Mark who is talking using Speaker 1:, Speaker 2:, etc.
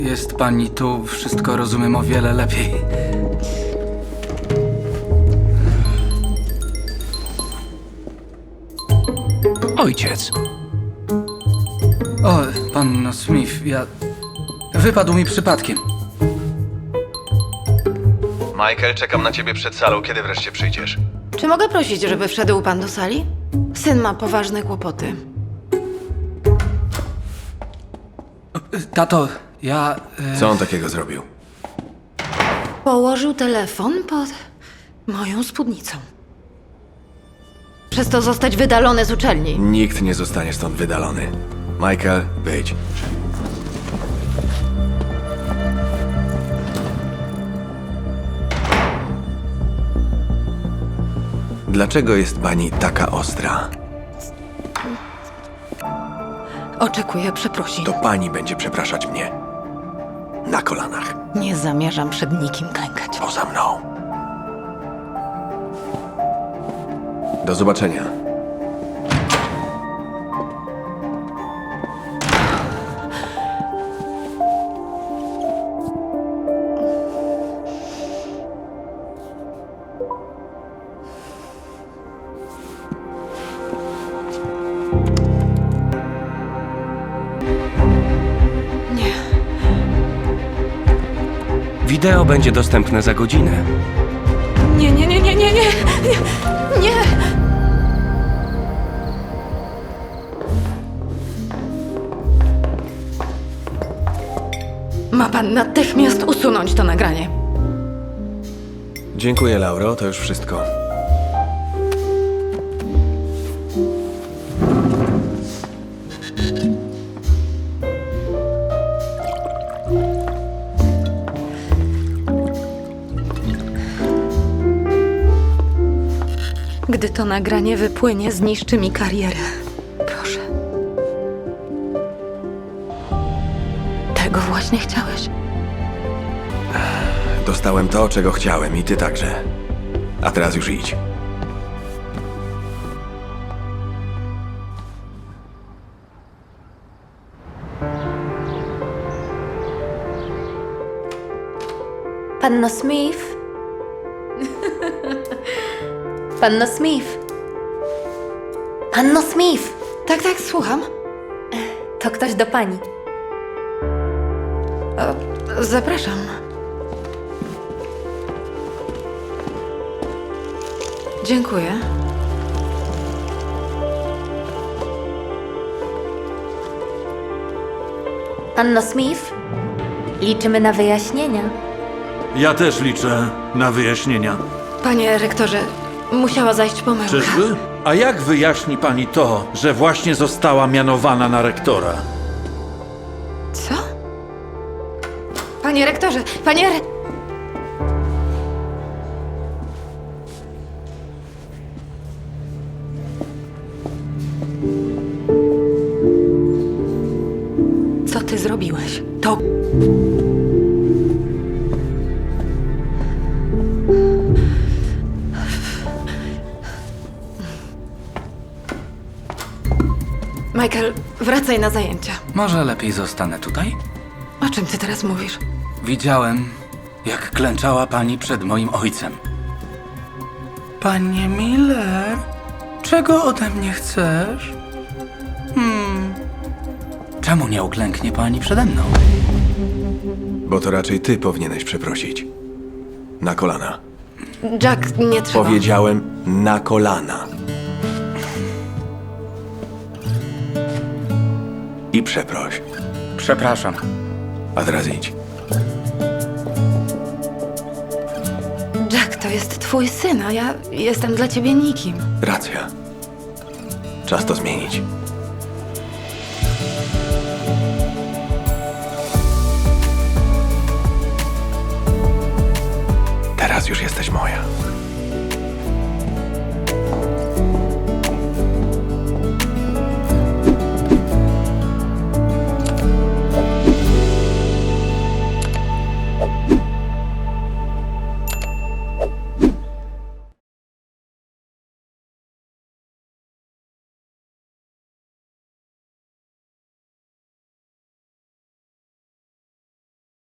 Speaker 1: Jest pani tu, wszystko rozumiem o wiele lepiej.
Speaker 2: Ojciec.
Speaker 1: O, pan Smith, Wypadł mi przypadkiem.
Speaker 3: Michael, czekam na ciebie przed salą. Kiedy wreszcie przyjdziesz?
Speaker 4: Czy mogę prosić, żeby wszedł pan do sali? Syn ma poważne kłopoty.
Speaker 1: Tato,
Speaker 3: Co on takiego zrobił?
Speaker 4: Położył telefon pod moją spódnicą. Przez to zostać wydalony z uczelni.
Speaker 3: Nikt nie zostanie stąd wydalony. Michael, wyjdź. Dlaczego jest pani taka ostra?
Speaker 4: Oczekuję przeprosin.
Speaker 3: To pani będzie przepraszać mnie. Na kolanach.
Speaker 4: Nie zamierzam przed nikim klękać.
Speaker 3: Poza mną. Do zobaczenia.
Speaker 4: Nie.
Speaker 2: Wideo będzie dostępne za godzinę.
Speaker 4: Nie, nie, nie, nie, nie, nie, nie, nie. Ma pan natychmiast usunąć to nagranie.
Speaker 3: Dziękuję, Lauro. To już wszystko.
Speaker 4: Gdy to nagranie wypłynie, zniszczy mi karierę. Proszę. Tego właśnie chciałeś?
Speaker 3: Dostałem to, czego chciałem i ty także. A teraz już idź.
Speaker 5: Panno Smith? Panno Smith? Panno Smith!
Speaker 4: Tak, tak, słucham.
Speaker 5: To ktoś do pani.
Speaker 4: Zapraszam. Dziękuję.
Speaker 5: Panno Smith? Liczymy na wyjaśnienia.
Speaker 6: Ja też liczę na wyjaśnienia.
Speaker 4: Panie rektorze, musiała zajść pomyłka.
Speaker 6: Czyżby? A jak wyjaśni pani to, że właśnie została mianowana na rektora?
Speaker 4: Co? Panie rektorze, Co ty zrobiłeś? To... Michael, wracaj na zajęcia.
Speaker 1: Może lepiej zostanę tutaj?
Speaker 4: O czym ty teraz mówisz?
Speaker 1: Widziałem, jak klęczała pani przed moim ojcem. Panie Miller, czego ode mnie chcesz? Czemu nie uklęknie pani przede mną?
Speaker 3: Bo to raczej ty powinieneś przeprosić. Na kolana.
Speaker 4: Jack, nie trzeba.
Speaker 3: Powiedziałem na kolana. I przeproś.
Speaker 1: Przepraszam.
Speaker 3: A teraz idź.
Speaker 4: Jack, to jest twój syn, a ja jestem dla ciebie nikim.
Speaker 3: Racja. Czas to zmienić. Teraz już jesteś moja.